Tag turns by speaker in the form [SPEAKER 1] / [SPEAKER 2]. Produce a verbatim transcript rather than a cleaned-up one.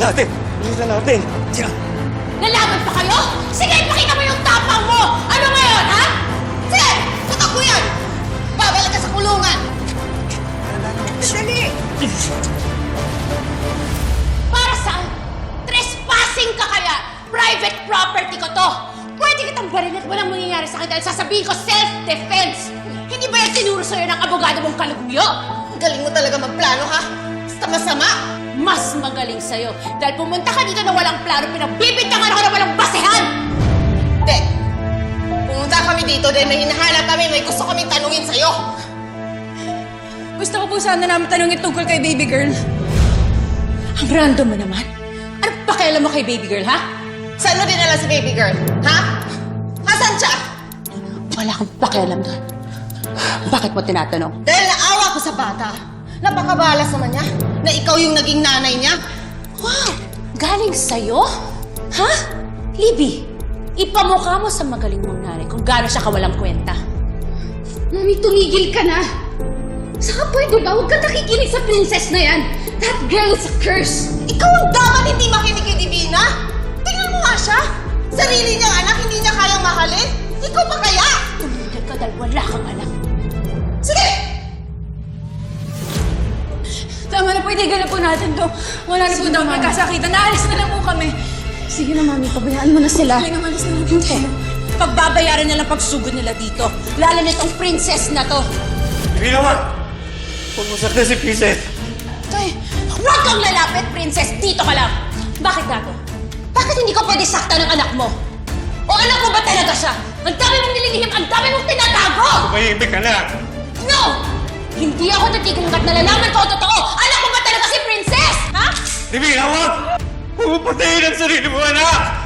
[SPEAKER 1] natin! Bilisan natin! Tiyan!
[SPEAKER 2] Lalaban pa kayo? Sige, ipakita mo yung tapang mo! Ano ngayon, ha? Sige, tutok mo yan! Babalik ka sa kulungan! Dali! Para saan? Trespassing ka kaya! Private property ko to! Pwede kitang barilin at walang mangyayari sa akin dahil sasabihin ko self-defense! Hindi ba yan tinuro sa'yo ng abogado mong kalugyo?
[SPEAKER 3] Galing mo talaga magplano, ha? Basta masama!
[SPEAKER 2] Mas magaling sa'yo dahil pumunta ka dito na walang plano, pinagbibintangan ako na walang basehan!
[SPEAKER 3] Hindi! Pumunta kami dito dahil may hinahanap kami, may gusto kaming tanungin sa'yo!
[SPEAKER 2] Gusto ko po sana namin tanungin tungkol kay baby girl. Ang random mo naman. Ano pakialam mo kay baby girl, ha?
[SPEAKER 3] Saan mo dinala si baby girl? Ha? Nasaan siya?
[SPEAKER 2] Wala kang pakialam doon. Bakit mo tinatanong?
[SPEAKER 3] Dahil naawa ko sa bata. Napakabalas naman niya na ikaw yung naging nanay niya.
[SPEAKER 2] Wow! Galing sa'yo? Ha? Libby, ipamukha mo sa magaling mong nanay kung gaano siya kawalang kwenta.
[SPEAKER 4] Mami, tumigil ka na! Saka pwede ba? Huwag ka nakikinig sa princess na yan! That girl is a curse!
[SPEAKER 3] Ikaw ang dapat hindi makinig kay Divina. Tingnan mo nga siya. Sarili niyang anak, hindi niya kayang mahalin. Ikaw pa kaya?
[SPEAKER 2] Tumigil ka dahil wala kang alam.
[SPEAKER 3] Sige!
[SPEAKER 4] Tama na po, itigil na po natin to. Wala na po daw magkasakitan. Naalis na lang po kami. Sige na, Mami. Pabayaan mo na sila. Sige na, alis na lang po.
[SPEAKER 2] Hindi. Pagbabayaran nila pagsugod nila dito. Lalo nitong princess na to.
[SPEAKER 1] Hindi naman! Huwag mo sakta si Princess!
[SPEAKER 2] Tay, huwag kang lalapit, princess. Dito ka lang. Bakit gato? Bakit hindi ka pwede sakta ng anak mo? O anak mo ba talaga siya? Ang dami mong nililihim, ang dami mong tinatago!
[SPEAKER 1] Tumahimik ka na!
[SPEAKER 2] No! Hindi ako titigil hanggat nalalaman ko ang totoo! Anak mo ba talaga si princess? Ha?
[SPEAKER 1] Divina, huwag! Huwag mo patayin ang sarili mo, anak!